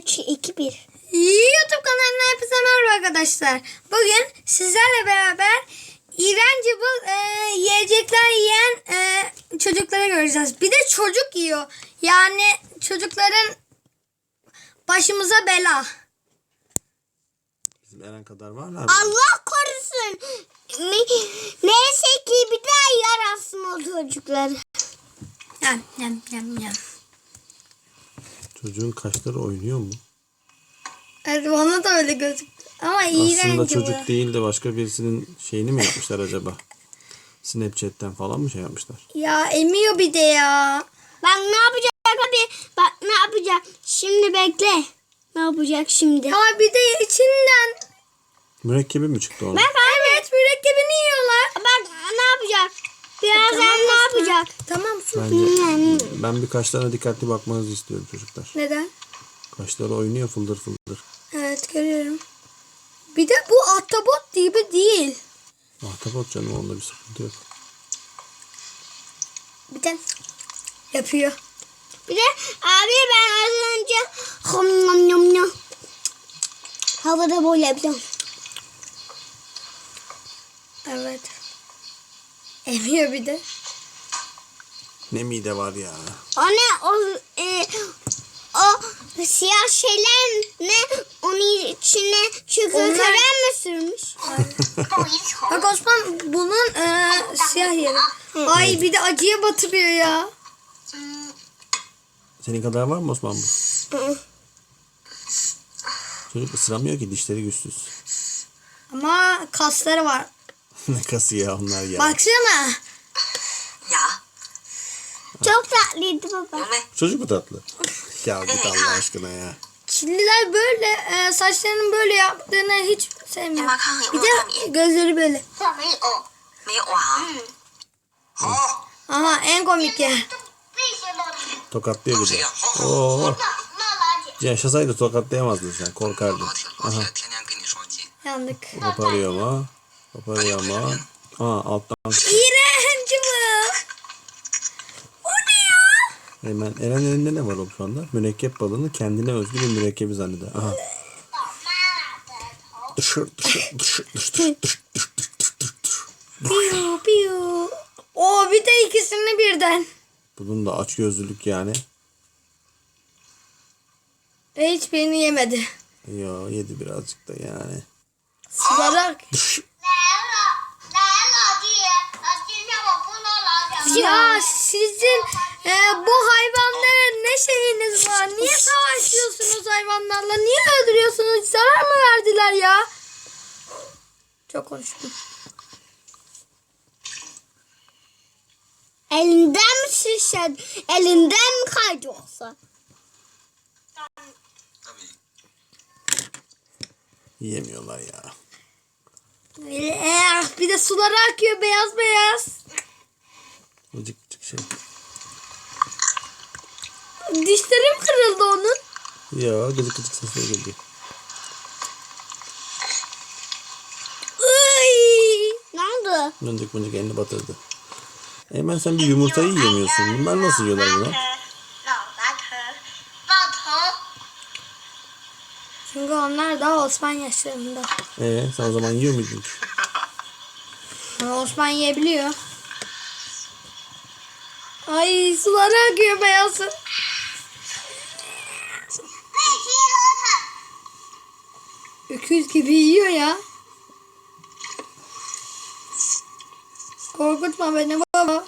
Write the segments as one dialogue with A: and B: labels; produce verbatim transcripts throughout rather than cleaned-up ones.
A: üç, iki, bir.
B: YouTube kanalına hepinize merhaba arkadaşlar. Bugün sizlerle beraber iğrenç bu e, yiyecekler yiyen e, çocukları göreceğiz. Bir de çocuk yiyor. Yani çocukların başımıza bela.
C: Bizim Eren kadar varlar mı?
A: Allah korusun. Ne- Neyse ki bir daha yarasın o çocukları.
B: Yem yem yem yem.
C: Çocuğun kaşları oynuyor mu?
B: Evet, bana da öyle gözüktü. Ama iğrenç
C: Aslında
B: bu.
C: çocuk değil de başka birisinin şeyini mi yapmışlar acaba? Snapchat'ten falan mı şey yapmışlar?
B: Ya emiyor bir de ya.
A: Bak ne yapacak abi? Bak ne yapacak? Şimdi bekle. Ne yapacak şimdi?
B: Ya bir de içinden.
C: Mürekkebi mi çıktı onun?
A: Bak
B: Evet, mürekkebini yiyorlar.
A: bak ne yapacak? Birazdan
B: Tamam,
A: ne
B: Osman.
A: yapacak?
B: Tamam sus.
C: Bence ben bir kaşlarına dikkatli bakmanızı istiyorum çocuklar.
B: Neden?
C: Kaşları oynuyor fıldır fıldır.
B: Evet, görüyorum. Bir de bu ahtapot gibi değil.
C: Ahtapot canım, onda bir sıkıntı yok.
B: Bir de yapıyor.
A: Bir de abi ben az önce hom nom nom nom havada böyle yapacağım.
B: Evet. Emiyor bir de.
C: Ne mide var ya.
A: O ne o e, o siyah şeyler ne onun içine çikolata
B: Onlar-
A: mi sürmüş?
B: Bak Osman, bunun e, siyah yeri. Ay bir de acıya batırıyor ya.
C: Senin kadar var mı Osman bu?
A: Hı.
C: Çocuk ısıramıyor ki, dişleri güçsüz.
B: Ama kasları var.
C: Ne kası ya onlar ya.
B: Baksana.
D: Ya,
A: Çok tatlıydı baba.
D: 有没？
C: Çocuk mu tatlı? Ya git Allah aşkına ya.
B: Çinliler böyle e, saçlarının böyle yaptığını hiç
D: 妈
B: sevmiyor.
D: 妈看看有没
B: Bir
D: 有
B: de
D: 大米？
B: gözleri böyle.
D: 没有，没有啊。好，
B: Aha, en komik ya.
C: Tokatlıyor bir
D: 谁
C: de.
D: 呀？好好。
C: Oo. Yaşasaydı tokatlayamazdın sen, korkardın.
D: 老铁，老
C: Aha.
D: 铁天天跟你双击。
B: Yandık.
C: Koparıyor ama. Koparıyor ama. Aa, alttan.
B: İğrenç bu. O ne ya?
C: Hemen Eren elinde ne var oğlum şu anda? Mürekkep balığını kendine özgü bir mürekkebi zanneder. Aha. Dışır dışır dışır dışır dışır dışır dışır dışır.
B: Piu piu. O bir de ikisini birden.
C: Bunun da açgözlülük yani.
B: Ve hiçbirini yemedi.
C: Yo, yedi birazcık da yani.
B: Sıvarak.
C: Dışır.
B: Ya sizin e, bu hayvanlara ne şeyiniz var? Niye savaşıyorsunuz hayvanlarla? Niye öldürüyorsunuz? Zarar mı verdiler ya? Çok konuştum.
A: Elinden mi şişer? Elinden mi kaydı yoksa?
D: Tabii.
C: Yiyemiyorlar ya.
B: Eh, bir de suları akıyor beyaz beyaz.
C: Vıcık vıcık şey.
B: Dişlerim kırıldı onun.
C: Yo, gıcık gıcık sesler geliyor.
B: Iy.
A: Ne oldu?
C: Mıncık mıncık elini batırdı. Hemen sen bir yumurtayı yiyemiyorsun. Bunlar nasıl yiyorlar bunu?
B: Çünkü onlar daha Osman yaşlarında.
C: Ee, sen o zaman yiyor muydun?
B: Ama Osman yiyebiliyor. Ay, suları akıyor beyazı. Öküz gibi yiyor ya. Korkutma beni baba.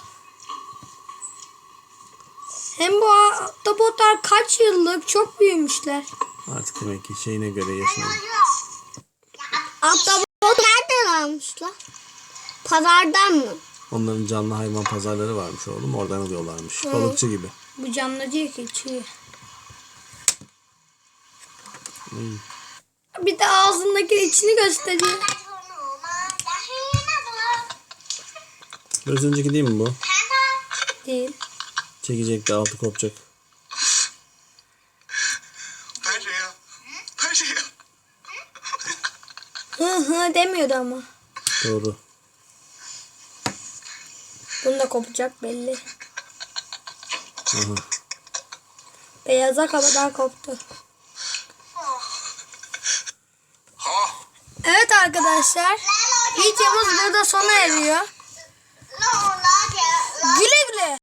B: Hem bu ahtapotlar kaç yıllık, çok büyümüşler.
C: Artık demek ki şeyine göre yaşına.
A: Ahtapot nereden almışlar? Pazardan mı?
C: Onların canlı hayvan pazarları varmış oğlum. Oradan alıyorlarmış. Balıkçı gibi.
B: Bu canlı değil ki, çiğ.
C: Hmm.
B: Bir de ağzındaki içini gösteriyor.
C: Biraz önceki değil mi bu?
B: Değil.
C: Çekecek de altı kopacak.
D: 拍谁呀？拍谁呀？
B: Hı hı demiyordu ama.
C: Doğru.
B: Bunu da kopacak belli.
C: Aha.
B: Beyaza kadar koptu. arkadaşlar. Videomuz burada sona eriyor. Güle güle.